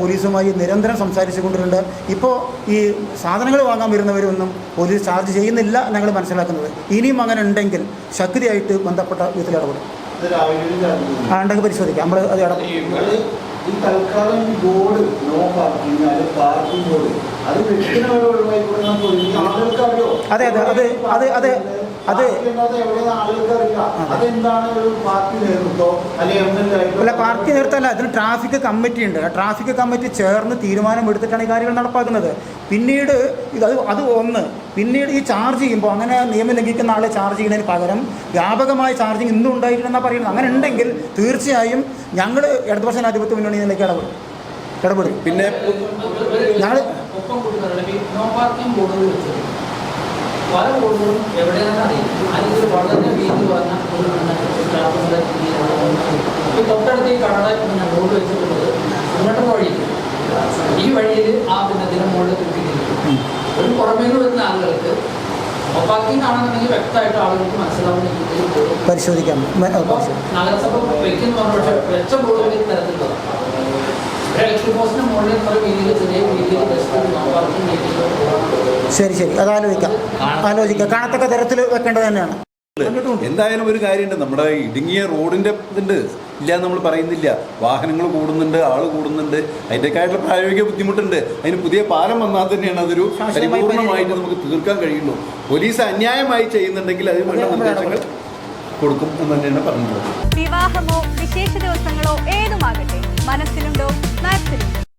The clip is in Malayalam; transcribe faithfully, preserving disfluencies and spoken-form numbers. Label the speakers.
Speaker 1: പോലീസുമായി നിരന്തരം സംസാരിച്ചു കൊണ്ടിട്ടുണ്ട്. ഇപ്പോൾ ഈ സാധനങ്ങൾ വാങ്ങാൻ വരുന്നവരൊന്നും പോലീസ് ചാർജ് ചെയ്യുന്നില്ല ഞങ്ങൾ മനസ്സിലാക്കുന്നത്. ഇനിയും അങ്ങനെ ഉണ്ടെങ്കിൽ ശക്തിയായിട്ട് ബന്ധപ്പെട്ട വിധത്തിൽ ഇടപെടും. ആ ഉണ്ടെങ്കിൽ പരിശോധിക്കാം. നമ്മൾ അത് ഇടപെടും.
Speaker 2: ഈ തൽക്കാലം ഈ ബോർഡ് നോ പാർക്കിംഗ് അത് പാർക്കിംഗ് ബോർഡ് അത് വെക്കുന്നവരെ ഒഴിവായി കൊടുക്കാൻ ആളുകൾക്കറിയോ?
Speaker 1: അതെ അതെ അത് അത് അതെ അത് അല്ല പാർട്ടി നേതൃത്വമല്ല, അതിന് ട്രാഫിക് കമ്മിറ്റി ഉണ്ട്. ആ ട്രാഫിക് കമ്മിറ്റി ചേർന്ന് തീരുമാനം എടുത്തിട്ടാണ് ഈ കാര്യങ്ങൾ നടപ്പാക്കുന്നത്. പിന്നീട് ഇത് അത് അത് ഒന്ന് പിന്നീട് ഈ ചാർജ് ചെയ്യുമ്പോൾ അങ്ങനെ നിയമം ലംഘിക്കുന്ന ആളെ ചാർജ് ചെയ്യുന്നതിന് പകരം വ്യാപകമായ ചാർജിങ് ഇന്നും ഉണ്ടായിട്ടുണ്ടെന്നാണ് പറയുന്നത്. അങ്ങനെ ഉണ്ടെങ്കിൽ തീർച്ചയായും ഞങ്ങൾ ഇടതുപക്ഷ ജനാധിപത്യ മുന്നണിയിലേക്ക് ഇടപെടും ഇടപെടും പിന്നെ ഞങ്ങൾ
Speaker 3: പല ബോർഡുകളും എവിടെയാണെന്ന് അറിയില്ല. അതിൽ വളരെ വീതി പറഞ്ഞ ഈ തൊട്ടടുത്ത് ഈ കടട പിന്നെ ബോർഡ് വെച്ചിട്ടുള്ളത് അങ്ങോട്ട് വഴിയിൽ ഈ വഴിയിൽ ആ പിന്നെ ഇതിന് മുകളിൽ കിട്ടിയിരിക്കും. ഒരു പുറമേ നിന്ന് വരുന്ന ആളുകൾക്ക് പാർക്കിംഗ് ആണെന്നുണ്ടെങ്കിൽ വ്യക്തമായിട്ട് ആളുകൾക്ക് മനസ്സിലാവുന്ന രീതിയിൽ
Speaker 1: പരിശോധിക്കാം.
Speaker 3: നഗരസഭ വെക്കുന്ന പക്ഷേ വെച്ച ബോർഡുകൾ തരത്തിലുള്ളതാണ്. ഇലക്ട്രിക് പോസ്റ്റിന് മുകളിൽ പല രീതിയിൽ ചെറിയ രീതിയിൽ
Speaker 1: ശരി ശരി അത് ആലോചിക്കാം ആലോചിക്കാം കാണത്തക്ക തരത്തിൽ വെക്കേണ്ടത് തന്നെയാണ്.
Speaker 4: എന്തായാലും ഒരു കാര്യമുണ്ട്, നമ്മുടെ ഇടുങ്ങിയ റോഡിൻ്റെ ഇതുണ്ട് ഇല്ല നമ്മൾ പറയുന്നില്ല. വാഹനങ്ങൾ കൂടുന്നുണ്ട്, ആൾ കൂടുന്നുണ്ട്, അതിൻ്റെക്കായിട്ടുള്ള പ്രായോഗിക ബുദ്ധിമുട്ടുണ്ട്. അതിന് പുതിയ പാലം വന്നാൽ തന്നെയാണ് അതൊരു പരിപൂർണമായിട്ട് നമുക്ക് തീർക്കാൻ കഴിയുള്ളൂ. പോലീസ് അന്യായമായി ചെയ്യുന്നുണ്ടെങ്കിൽ അതിന് വേണ്ട നിർദ്ദേശങ്ങൾ കൊടുക്കും എന്ന് തന്നെയാണ് പറഞ്ഞിട്ടുള്ളത്.
Speaker 5: വിവാഹമോ വിശേഷ ദിവസങ്ങളോ ഏതുമാകട്ടെ, മനസ്സിലുണ്ടോ മാക്സിലുണ്ടോ